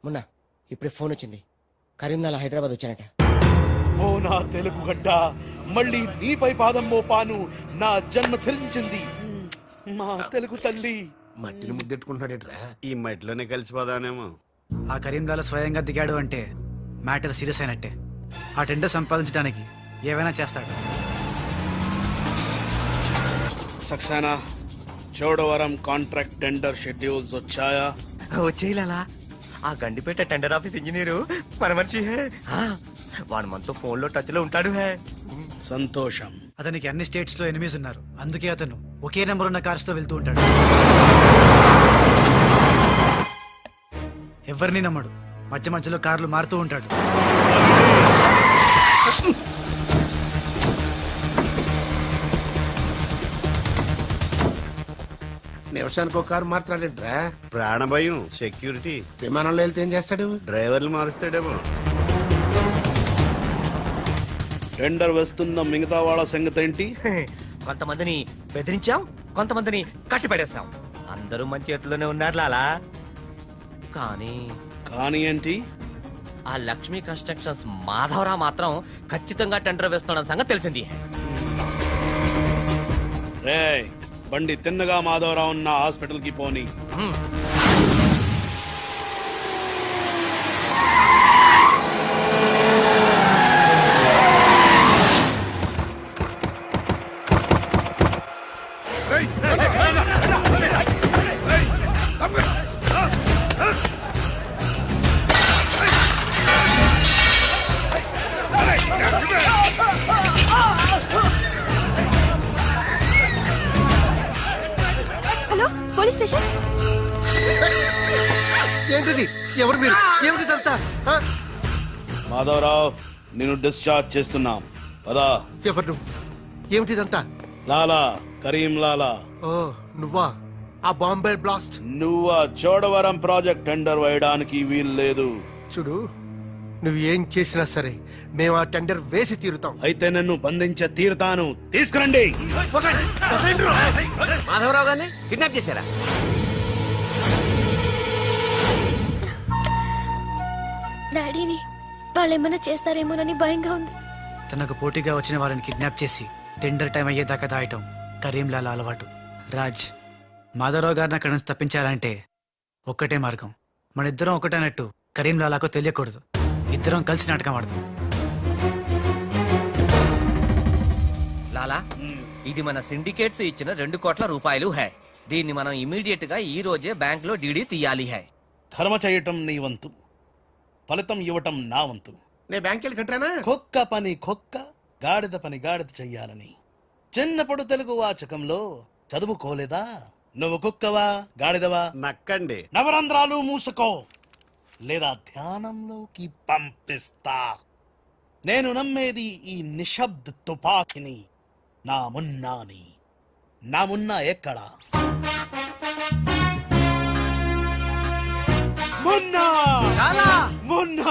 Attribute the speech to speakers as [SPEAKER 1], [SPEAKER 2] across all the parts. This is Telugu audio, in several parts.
[SPEAKER 1] మొన్న ఇప్పుడే ఫోన్ వచ్చింది, కరీంనాలా హైదరాబాద్ వచ్చానట.
[SPEAKER 2] ఓ నా తెలుగు గడ్డ, మళ్ళీ నీపై పాదం మోపాను. నా జన్మ ధరించింది మా తెలుగు తల్లి.
[SPEAKER 3] మట్టిని ముద్దెట్టుకుంటున్నాడేట్రా?
[SPEAKER 4] ఈ మట్టిలోనే కలిసిపోదానేమో.
[SPEAKER 5] ఆ కరీంలాల స్వయంగా దిగాడు అంటే మ్యాటర్ సీరియస్ అయినట్టే. ఆ టెండర్ సంపాదించడానికి ఏవైనా చేస్తాడు.
[SPEAKER 2] Saxena, Chodavaram contract tender schedules వచ్చాయా?
[SPEAKER 6] వచ్చేయాలా? ఆ గండిపేట టెండర్ ఆఫీస్ ఇంజనీరు మన మనిషి హే. వాడు మనతో ఫోన్ లో టచ్ లో ఉంటాడు హే.
[SPEAKER 2] సంతోషం.
[SPEAKER 5] అతనికి అన్ని స్టేట్స్ లో ఎనిమీస్ ఉన్నారు, అందుకే అతను ఒకే నెంబర్ ఉన్న కార్స్ తో వెళ్తూ ఉంటాడు. ఎవరిని నమ్మడు, మధ్య మధ్యలో కార్లు మారుతూ ఉంటాడు.
[SPEAKER 3] నిమిషానికి ఒక కారు మాట్లాడేట్రా?
[SPEAKER 4] ప్రాణభయం, సెక్యూరిటీ.
[SPEAKER 3] విమానంలో వెళ్తే ఏం చేస్తాడు?
[SPEAKER 4] డ్రైవర్లు మారుస్తాడేమో.
[SPEAKER 2] టెండర్ వేస్తున్న మిగతా వాళ్ళ సంగతి ఏంటి?
[SPEAKER 6] కొంతమందిని బెదిరించాం, కొంతమందిని కట్టి పడేస్తాం. అందరూ మన చేతిలోనే ఉన్నారు లాలా.
[SPEAKER 2] కానీ ఏంటి?
[SPEAKER 6] ఆ లక్ష్మీ కన్స్ట్రక్షన్స్ మాధవరావు మాత్రం ఖచ్చితంగా టెండర్ వేస్తున్న సంగతి తెలిసింది.
[SPEAKER 2] రే, బండి తిన్నగా మాధవరావు ఉన్న హాస్పిటల్ కి పోని.
[SPEAKER 7] Hello, police station.
[SPEAKER 3] ఏంటిది? ఎవరు మీరు? ఏమిటిదంతా?
[SPEAKER 2] మాధవరావు, నేను డిశ్చార్జ్ చేస్తున్నాం. పదా.
[SPEAKER 3] ఎవరు నువ్వు? ఏమిటిదంతా?
[SPEAKER 2] లాలా, కరీం లాలా.
[SPEAKER 3] ఓ నువ్వా? ఆ బాంబే బ్లాస్ట్.
[SPEAKER 2] నువ్వు ఆ చోడవరం ప్రాజెక్ట్ టెండర్ వేయడానికి వీల్లేదు.
[SPEAKER 3] చూడు, నువ్వు ఏం చేసినా సరే మేము ఆ టెండర్ వేసి తీరుతాం.
[SPEAKER 2] అయితే నన్ను బంధించే తీరుతాను. తీసుకురండి.
[SPEAKER 6] మాధవరావు గారిని కిడ్నాప్ చేశారా?
[SPEAKER 7] డాడీని వాళ్ళేమన్నా చేస్తారేమోనని భయంగా ఉంది.
[SPEAKER 5] తనకు పోటీగా వచ్చిన వారిని కిడ్నాప్ చేసి టెండర్ టైం అయ్యేదాకా దాయటం కరీంలాల అలవాటు. రాజ్, మాధవరావు గారిని అక్కడి నుంచి తప్పించాలంటే ఒక్కటే మార్గం. మన ఇద్దరం ఒకటన్నట్టు కరీంలాలాకు తెలియకూడదు. ఇద్దరం కలిసి నాటకం ఆడదాం.
[SPEAKER 6] లాలా, ఇది మన సిండికేట్స్ ఇచ్చిన 2 కోట్ల రూపాయలు హై. దీన్ని మనం ఇమీడియట్ గా ఈ రోజే బ్యాంక్ లో డీడీ తీయాలి హై.
[SPEAKER 2] కర్మ చేయటం నీ వంతు, ఫలితం ఇవ్వటం నా వంతు.
[SPEAKER 3] నేను బ్యాంక్ వెళ్ళి కట్టానా?
[SPEAKER 2] కుక్క పని కుక్క, గాడిద పని గాడిద చెయ్యాలని చిన్నప్పుడు తెలుగు వాచకంలో చదువుకోలేదా? నువ్వు కుక్కవా గాడిదవా?
[SPEAKER 4] నక్కండి.
[SPEAKER 2] నవరంధ్రాలు మూసుకో, లేదా ధ్యానంలోకి పంపిస్తా. నేను నమ్మేది ఈ నిశ్శబ్ద తుపాకిని, నా మున్నాని. నా మున్నా ఎక్కడా? మున్నా! మున్నా!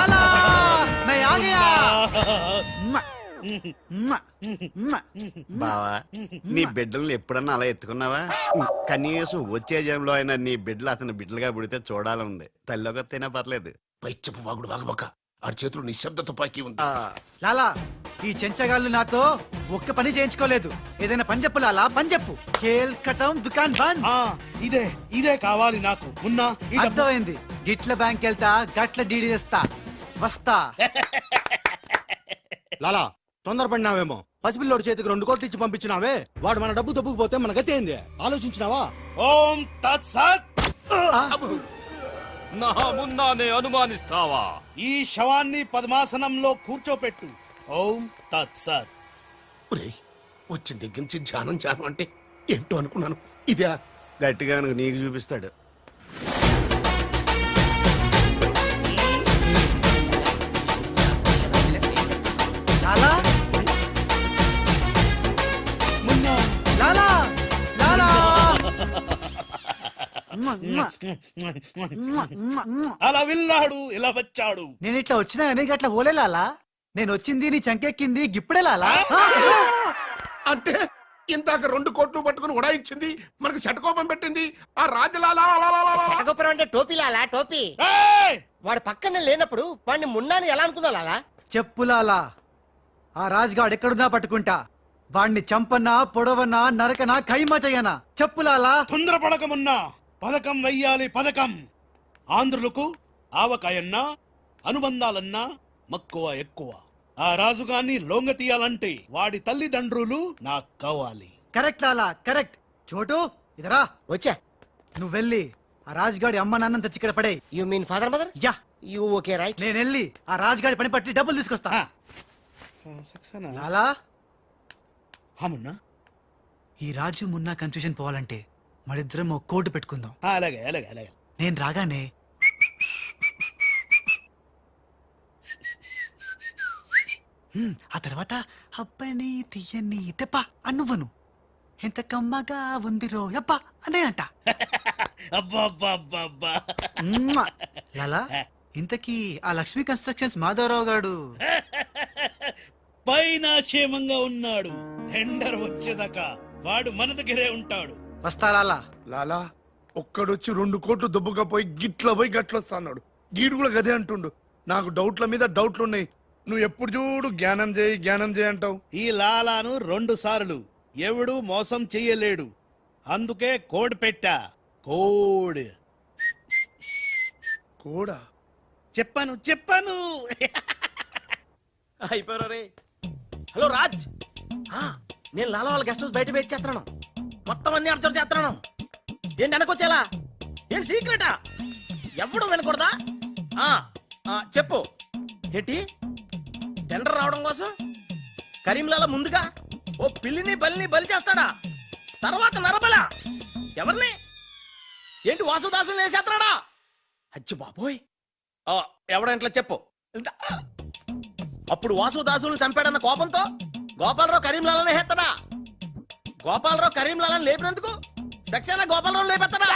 [SPEAKER 4] బావా, నీ బిడ్డలను ఎప్పుడన్నా అలా ఎత్తుకున్నావా? కనీసం వచ్చే జంలో అయినా నీ బిడ్డలు అతని బిడ్డలుగా పుడితే చూడాలనుంది. తల్లిలోకి వస్తేనే పర్లేదు.
[SPEAKER 3] పైచ్చపు వాగుడు వాగబక్క. ఆ చేతులు నిశ్శబ్ద తుపాకీ ఉంది.
[SPEAKER 5] లాలా, ఈ చెంచగాళ్ళు నాతో ఒక్క పని చేయించుకోలేదు. ఏదైనా పని చెప్పు లాలా, పని చెప్పు. ఖేల్ ఖతం, దుకాన్ బంద్.
[SPEAKER 2] ఇదే ఇదే కావాలి నాకు. మున్నా, ఈ డబ్బు-
[SPEAKER 5] అర్థమైంది. గిట్ల బ్యాంక్ వెళ్తా, గట్ల డీడీ తెస్తా, వస్తా.
[SPEAKER 8] లాలా, తొందరపడినావేమో. పసిపిల్లోడి చేతికి 2 కోట్లు ఇచ్చి పంపించినావే, వాడు మన డబ్బు దబ్బుకుపోతే మన గతి ఏంది? ఆలోచించినావా?
[SPEAKER 2] ఓం తత్సత్.
[SPEAKER 9] నా మున్నానే అనుమానిస్తావా?
[SPEAKER 2] ఈ శవాన్ని పద్మాసనంలో కూర్చోపెట్టు. ఓం తత్సత్.
[SPEAKER 3] వచ్చిన దగ్గర నుంచి ధ్యానం ధ్యానం అంటే ఏంటో అనుకున్నాను. ఇదే
[SPEAKER 4] గట్టిగా నీకు చూపిస్తాడు.
[SPEAKER 5] లాలా, లాలా, లాలా.
[SPEAKER 2] అలా వెళ్ళాడు, ఇలా వచ్చాడు.
[SPEAKER 5] నేను ఇట్లా వచ్చినా కానీ గట్ల ఓలే లాలా. నేను వచ్చింది నీ చంకెక్కింది గిప్పుడే లాలా.
[SPEAKER 3] అంటే ఇందాక 2 కోట్లు పట్టుకుని ఉడాయించింది, మనకి శటకోపం పెట్టింది ఆ రాజలాల.
[SPEAKER 1] శటగోపురం అంటే టోపీ లాలా, టోపీ.
[SPEAKER 2] ఏయ్!
[SPEAKER 1] వాడు పక్కనే లేనప్పుడు వాడిని మున్నాని ఎలా అనుకున్నా లాలా?
[SPEAKER 5] చెప్పులాలా ఆ రాజ్గాడ్ ఎక్కడున్నా పట్టుకుంటా. వాణ్ణి చంపన్నా, పొడవన్నా, నరకనా, ఖైమా చెయ్యనా. చెప్పులాలా.
[SPEAKER 2] తొందరపడకమున్నా పథకం వెయ్యాలి, పథకం. ఆంధ్రులకు ఆవకాయన్నా అనుబంధాలన్నా మక్కువ ఎక్కువ. ఆ రాజుగాన్ని లొంగ తీయాలంటే వాడి తల్లిదండ్రులు నాకు కావాలి.
[SPEAKER 5] Correct Lala, correct. చోటు ఇదరా,
[SPEAKER 1] వచ్చా.
[SPEAKER 5] నువ్వు వెళ్ళి ఆ రాజ్గాడి అమ్మ నాన్న తెచ్చి ఇక్కడ పడే.
[SPEAKER 1] You mean father mother?
[SPEAKER 5] Yeah,
[SPEAKER 1] you okay right.
[SPEAKER 5] నేను వెళ్ళి ఆ రాజ్గాడి పని పట్టి డబ్బులు తీసుకొస్తా.
[SPEAKER 2] సక్సేనా?
[SPEAKER 5] లాలా,
[SPEAKER 2] హమున్నా
[SPEAKER 5] ఈ రాజు మున్నా కన్ఫ్యూజన్ పోవాలంటే మరిద్దరం ఒక కోటు పెట్టుకుందాం.
[SPEAKER 2] అలాగే అలాగే అలాగే.
[SPEAKER 5] నేను రాగానే ఆ తర్వాత అబ్బని తీయని తెప్ప అన్నువ్వను. ఎంత కమ్మగా ఉంది రోయప్ప అనే అంట.
[SPEAKER 2] అబ్బా అబ్బా అబ్బా అబ్బా.
[SPEAKER 5] మ్మ్. లాలా, ఇంతకీ ఆ లక్ష్మీ కన్స్ట్రక్షన్స్ మాధవరావు గారు
[SPEAKER 2] పైన క్షేమంగా ఉన్నాడు. టెండర్ వచ్చేదాకా వాడు మన దగ్గరే ఉంటాడు.
[SPEAKER 5] వస్తా లాలా.
[SPEAKER 3] లాలా ఒక్కడొచ్చి 2 కోట్లు దుబ్బగా పోయి గిట్ల పోయి గట్లొస్తా అన్నాడు. గీడు కూడా గదే అంటుండు. నాకు డౌట్ల మీద డౌట్లున్నాయి. నువ్వు ఎప్పుడు చూడు జ్ఞానం చేయి అంటావు.
[SPEAKER 2] ఈ లాలాను 2 సార్లు ఎవడు మోసం చెయ్యలేడు. అందుకే కోడ్ పెట్టా. కోడ్
[SPEAKER 3] కూడా
[SPEAKER 2] చెప్పాను చెప్పాను.
[SPEAKER 8] అయిపోయారు రే. హలో రాజ్, నేను లాలా వాళ్ళ గెస్ట్ హౌస్ బయట వెయిట్ చేస్తున్నాను. మొత్తం అన్ని అబ్జర్వ్ చేస్తున్నాను. ఏంటి వెనకొచ్చేలా? ఏంటి సీక్రెటా? ఎవడు వినకూడదా? చెప్పు. ఏంటి టెండర్ రావడం కోసం కరీంలాలా ముందుగా ఓ పిల్లిని బలిని బలి చేస్తాడా? తర్వాత నరబల ఎవరిని? ఏంటి వాసుదాసుని వేసేస్తాడా? అచ్చి బాబోయ్, ఎవడంట్లా చెప్పు. అప్పుడు వాసుదాసులను చంపాడన్న కోపంతో గోపాలరావు కరీంలాలని హేస్తాడా? గోపాలరావు కరీంలాలని లేపినందుకు సక్సేనా గోపాలరావు లేపెత్తాడా?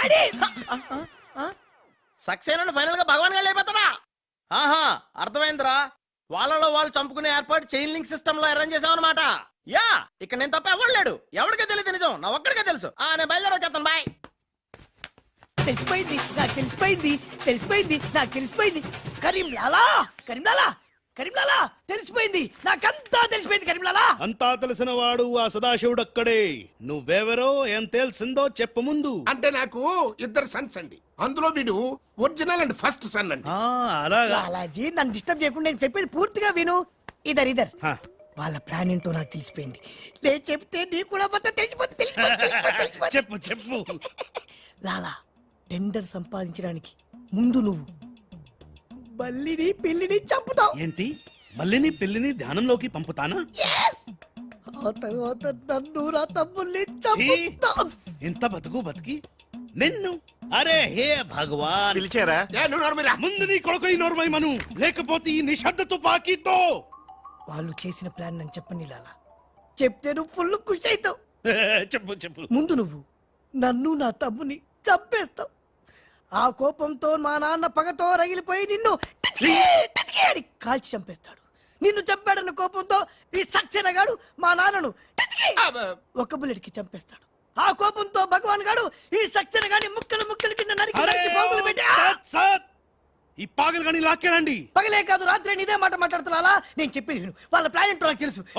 [SPEAKER 8] సక్సేనాను ఫైనల్ గా భగవాన్ గా లేపెత్తాడా? ఆహా, అర్థమైందిరా. వాళ్ళలో వాళ్ళు చంపుకునే ఏర్పాటు చైన్ లింక్ సిస్టమ్ లో అరేంజ్ చేసామన్నమాట. యా, ఇక్కడ నేను తప్ప ఎవడలేడు. ఎవరికే తెలియదు నిజం, నా ఒక్కడికే తెలుసు. నేను బయలుదేరి వచ్చేస్తాను. బాయ్.
[SPEAKER 10] తెలిసిపోయింది నాకు, తెలిసిపోయింది నాకు, తెలిసిపోయింది. కరీంలాలా తెలిసిపోయింది నాకంతా, తెలిసిపోయింది కరీంలాలా.
[SPEAKER 2] అంతా తెలిసిన వాడు ఆ సదాశివుడు అక్కడే. నువ్వెవరో ఏం తెలిసిందో చెప్పు ముందు.
[SPEAKER 3] అంటే నాకు 2 సన్స్ అండి. అందులో వీడు ఒరిజినల్ అండ్ ఫస్ట్ సన్ అండి.
[SPEAKER 2] అలాగా?
[SPEAKER 10] లాలాజీ నన్ను డిస్టర్బ్ చేయకుండా నేను చెప్పేది పూర్తిగా విను. ఇదర్ వాళ్ళ ప్లాన్ ఏంటో నాకు తెలిసిపోయింది. నేను చెప్తే నీకు కూడా మొత్తం తెలిసిపోతుంది.
[SPEAKER 2] చెప్పు చెప్పు.
[SPEAKER 10] లాలా, టెండర్ సంపాదించడానికి ముందు నువ్వు బల్లిని పిల్లిని చంపుతావు.
[SPEAKER 2] ఏంటి? మల్లిని పిల్లిని ధ్యానంలోకి పంపుతానా?
[SPEAKER 10] ఆ తర్వాత నన్ను నా తమ్ముల్ని చంపుతావు.
[SPEAKER 2] ఇంత బతికి నిన్ను? అరే హే భగవాన్.
[SPEAKER 4] పిలిచారా?
[SPEAKER 2] ముందు నీ కొడుకు నోర్మై మను, లేకపోతే ఈ నిశ్శబ్ద తుపాకీతో.
[SPEAKER 10] వాళ్ళు చేసిన ప్లాన్ నన్ను చెప్పని లాలా. చెప్తే నువ్వు ఫుల్ ఖుషి అవుతావు.
[SPEAKER 2] చెప్పు చెప్పు.
[SPEAKER 10] ముందు నువ్వు నన్ను నా తమ్ముని చంపేస్తావు. ఆ కోపంతో మా నాన్న పగతో రగిలిపోయి నిన్ను అని కాల్చి చంపేస్తాడు. నిన్ను చంపాడన్న కోపంతో ఈ సక్సేనా గాడు మా నాన్నను ఒక బుల్లెట్ కి చంపేస్తాడు. ఆ కోపంతో భగవాన్ గాడు ఈ సక్సేనా గాని ముక్కలు కింద నరికి పోగులు పెట్టి
[SPEAKER 2] ఈ పాగలు గాని లాక్కేనండి.
[SPEAKER 10] పగలే కాదు రాత్రి ఇదే మాట మాట్లాడుతున్నా. నేను చెప్పేది విను. వాళ్ళ ప్లాన్ ఏంటో నాకు తెలుసు.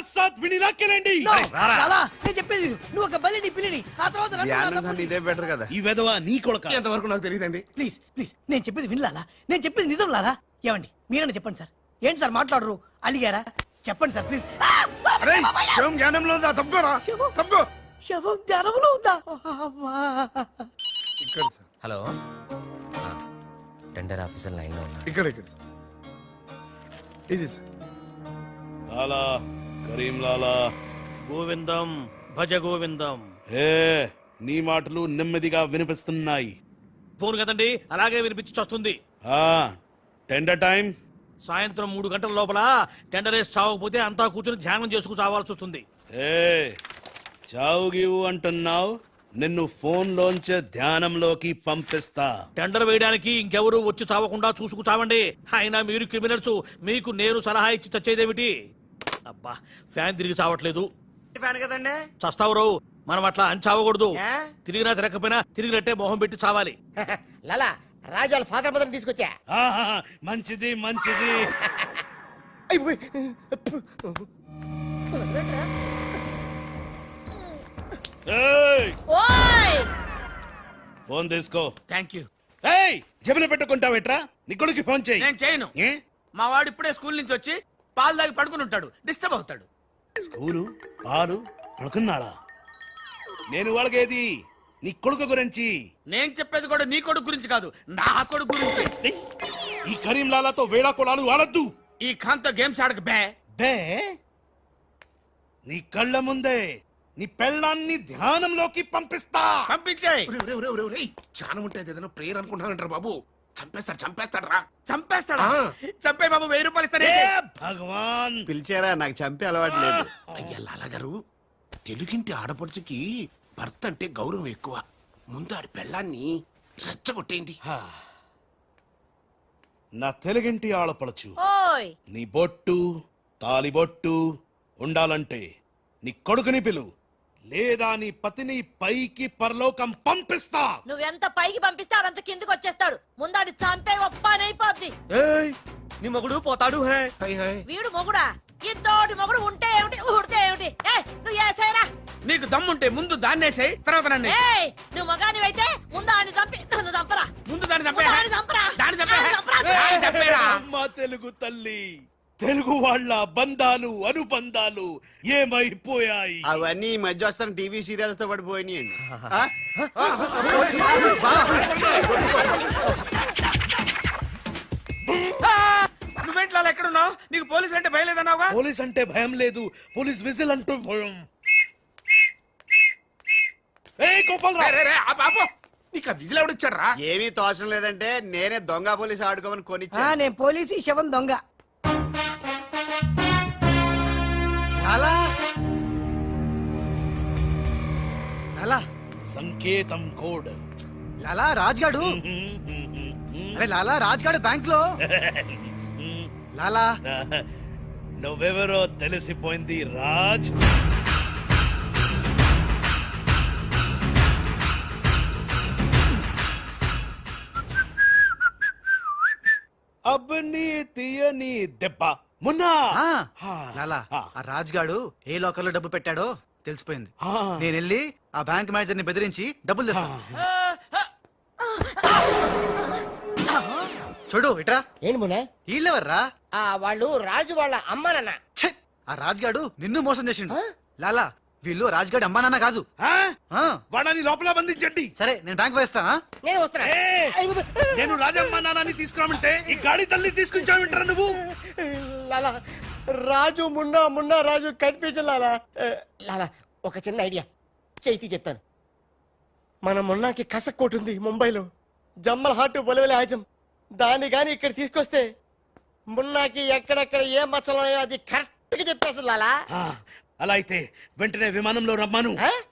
[SPEAKER 10] నేను చెప్పేది విను. నువ్వు ఒక బలిని పిల్లిని, ఆ తర్వాత
[SPEAKER 4] ఇదే బెటర్ కదా.
[SPEAKER 2] ఈ వెధవ నీ కొడుకు.
[SPEAKER 3] ఎంతవరకు నాకు తెలియదండి.
[SPEAKER 10] ప్లీజ్ నేను చెప్పేది వినలాలా. నేను చెప్పేది నిజం లాలా. ఏమండి మీరన్నా చెప్పండి సార్. ఏంటి సార్ మాట్లాడరు? అలిగారా? చెప్పండి సార్ ప్లీజ్.
[SPEAKER 3] జ్ఞానంలో ఉందా? తప్పుకోరా, తప్పుకో.
[SPEAKER 10] శవం జ్ఞానంలో ఉందా?
[SPEAKER 3] ఇక్కడ sir.
[SPEAKER 6] Hello, tender officer line లో ఉన్నారు.
[SPEAKER 3] ఇక్కడ ఇది సార్.
[SPEAKER 2] లాలా, కరీం లాలా.
[SPEAKER 9] గోవిందం భజ గోవిందం.
[SPEAKER 2] నీ మాటలు నెమ్మదిగా వినిపిస్తున్నాయి.
[SPEAKER 9] ఫోన్ కదండి, అలాగే వినిపించి వస్తుంది.
[SPEAKER 2] టెండర్ టైం
[SPEAKER 9] సాయంత్రం 3 గంటల లోపల టెండర్ వేసి చావకపోతే అంతా కూర్చొని ధ్యానం చేసుకు చావాల్సి వస్తుంది.
[SPEAKER 2] చావు గీవు అంటున్నావు, నిన్ను ఫోన్ లోంచే ధ్యానంలోకి పంపిస్తా.
[SPEAKER 9] టెండర్ వేయడానికి ఇంకెవరు వచ్చి చావకుండా చూసుకు చావండి. అయినా మీరు క్రిమినల్స్, మీకు నేను సలహా ఇచ్చి చచ్చేదేమిటి? అబ్బా, ఫ్యాన్ తిరిగి చావట్లేదు.
[SPEAKER 8] ఫ్యాన్ కదండి.
[SPEAKER 9] చస్తావు రావు, మనం అట్లా అంచావకూడదు. తిరిగినా తిరగకపోయినా తిరిగినట్టే మొహం పెట్టి చావాలి.
[SPEAKER 1] లాలా రాజాల ఫాదర్ మదర్ తీసుకొచ్చా.
[SPEAKER 2] ఆహా, మంచిది మంచిది. ఏయ్, ఫోన్ తీసుకో.
[SPEAKER 8] Thank you.
[SPEAKER 2] ఏయ్, జబిన పెట్టుకుంటావేట్రా? నీ కొడుకు ఫోన్ చేయి.
[SPEAKER 8] నేను చేయను.
[SPEAKER 2] ఏ?
[SPEAKER 8] మా వాడు ఇప్పుడే స్కూల్ నుంచి వచ్చి పాలు తాగి పడుకుని ఉంటాడు, డిస్టర్బ్ అవుతాడు.
[SPEAKER 2] స్కూలు పాలు పడుకున్నాడా? నేను వాళ్ళకేది నీ కొడుకు గురించి.
[SPEAKER 8] నేను చెప్పేది కూడా నీ కొడుకు గురించి కాదు, నా కొడుకు గురించి.
[SPEAKER 2] ఏయ్, ఈ కరీం లాలాతో వేళా కొలాలు ఆడద్దు.
[SPEAKER 8] ఈ ఖాన్తో గేమ్స్ ఆడక బే.
[SPEAKER 2] బే, నీ కళ్ళ ముందే నీ పెళ్ళాన్ని ధ్యానంలోకి పంపిస్తా.
[SPEAKER 8] పంపించేయ్.
[SPEAKER 3] చాలా ఉంటుంది ఏదైనా ప్రేయర్ అనుకుంటానంటారు బాబు. చంపేస్తాడు రా.
[SPEAKER 8] చంపేస్తాడా? చంపే బాబు, 1000 రూపాయలు ఇస్తానే.
[SPEAKER 2] ఏ భగవాన్,
[SPEAKER 4] పిలిచారా? నాకు చంపే అలవాటు లేదు.
[SPEAKER 11] అయ్యా లాలగారు, తెలుగింటి ఆడపడుచుకి భర్త అంటే గౌరవం ఎక్కువ. ముందు ఆడి పెళ్ళాన్ని రెచ్చగొట్టేయండి.
[SPEAKER 2] నా తెలుగింటి ఆడపడచ్చు నీ బొట్టు తాలిబొట్టు ఉండాలంటే నీ కొడుకుని పిలు, లేదా నీ పతిని పైకి పరలోకం పంపిస్తా.
[SPEAKER 12] నువ్వెంత పైకి పంపిస్తే ఆడంత కిందకి వచ్చేస్తాడు. ముందాడి చంపే ఒప్పనైపోద్ది.
[SPEAKER 6] ఏయ్, నీ మొగుడు పోతాడు హే.
[SPEAKER 12] వీడు మొగుడా? ఇంతోటి మొగుడు ఉంటే ఏమిటి, ఊడితే ఏమిటి? నువ్వు ఏసైనా
[SPEAKER 8] నీకు దమ్ముంటే ముందు దాన్నేసేయ్, తర్వాత నన్ను
[SPEAKER 12] ఏయ్, నువ్వు మగానివైతే ముందు ఆడిని చంపి నన్ను చంపరా.
[SPEAKER 8] ముందు దాన్ని చంపే.
[SPEAKER 12] దాన్ని చంపరా.
[SPEAKER 8] దాన్ని చంపే.
[SPEAKER 12] దాన్ని చంపరా.
[SPEAKER 8] దాన్ని చంపేరా.
[SPEAKER 2] అమ్మ తెలుగు తల్లి, తెలుగు వాళ్ళ బంధాలు అనుబంధాలు ఏమైపోయాయి?
[SPEAKER 4] అవన్నీ ఈ మధ్య వస్తున్న టీవీ సీరియల్స్ తో పడిపోయినాయండి.
[SPEAKER 8] నువ్వేంట్లో ఎక్కడున్నావు? నీకు పోలీసులు అంటే భయం లేదన్నావుగా?
[SPEAKER 2] పోలీస్ అంటే భయం లేదు, పోలీస్ విజిల్ అంటూ భయం. ఏయ్ గోపాలరావు,
[SPEAKER 11] నీకు ఆ విజిల్ ఎవడిచ్చాడు రా?
[SPEAKER 4] ఏమీ తోచడం లేదంటే నేనే దొంగ పోలీస్ ఆడుకోమని కొనిచ్చా.
[SPEAKER 10] నేను పోలీసు, ఈ శవం దొంగ.
[SPEAKER 5] లాలా లాలా
[SPEAKER 2] సంకేతం కోడ్.
[SPEAKER 5] లాలా రాజ్గాడు. అరే లాలా రాజ్గాడు బ్యాంక్ లో. లాలా
[SPEAKER 2] నువ్వెవరో తెలిసిపోయింది రాజ్. అబ్బని తీయని దెబ్బ మున్నా.
[SPEAKER 5] లాలా ఆ రాజ్గాడు ఏ లోకల్లో డబ్బు పెట్టాడో తెలిసిపోయింది.
[SPEAKER 2] ఆ.
[SPEAKER 5] నేను వెళ్ళి ఆ బ్యాంక్ మేనేజర్ ని బెదిరించి డబ్బులు తెస్తాను. చూడు ఇట్రా.
[SPEAKER 1] ఏంటి మున్నా?
[SPEAKER 5] వీళ్ళెవర్రా?
[SPEAKER 1] వాళ్ళు రాజు వాళ్ళ అమ్మానన్న.
[SPEAKER 5] ఛే! ఆ రాజ్గాడు నిన్ను మోసం చేసిండు. లాలా వీళ్ళు రాజ్గాడు అమ్మా నాన్న కాదు.
[SPEAKER 2] వాడని లోపల బంధించండి.
[SPEAKER 5] సరే నేను బ్యాంక్ వేస్తా.
[SPEAKER 1] నేను వస్తున్నా.
[SPEAKER 2] నేను రాజమ్మ నాన్నని తీసుకురామంటే ఈ గాడి తల్లి తీసుకుంటావింటారా నువ్వు?
[SPEAKER 1] లాలా రాజు మున్నా, మున్నా రాజు కన్ఫ్యూజన్. లాలా లాలా ఒక చిన్న ఐడియా చైతి చెప్తాను. మన మున్నాకి కసక్కోటు ఉంది ముంబైలో, జమ్మల్ హాట్ బొలవెల హాజం. దాన్ని గాని ఇక్కడ తీసుకొస్తే మున్నాకి ఎక్కడెక్కడ ఏ మచ్చలు ఉన్నాయో అది కరెక్ట్ గా చెప్పేస్తుంది. లాలా
[SPEAKER 2] అలా అయితే వెంటనే విమానంలో రమ్మను.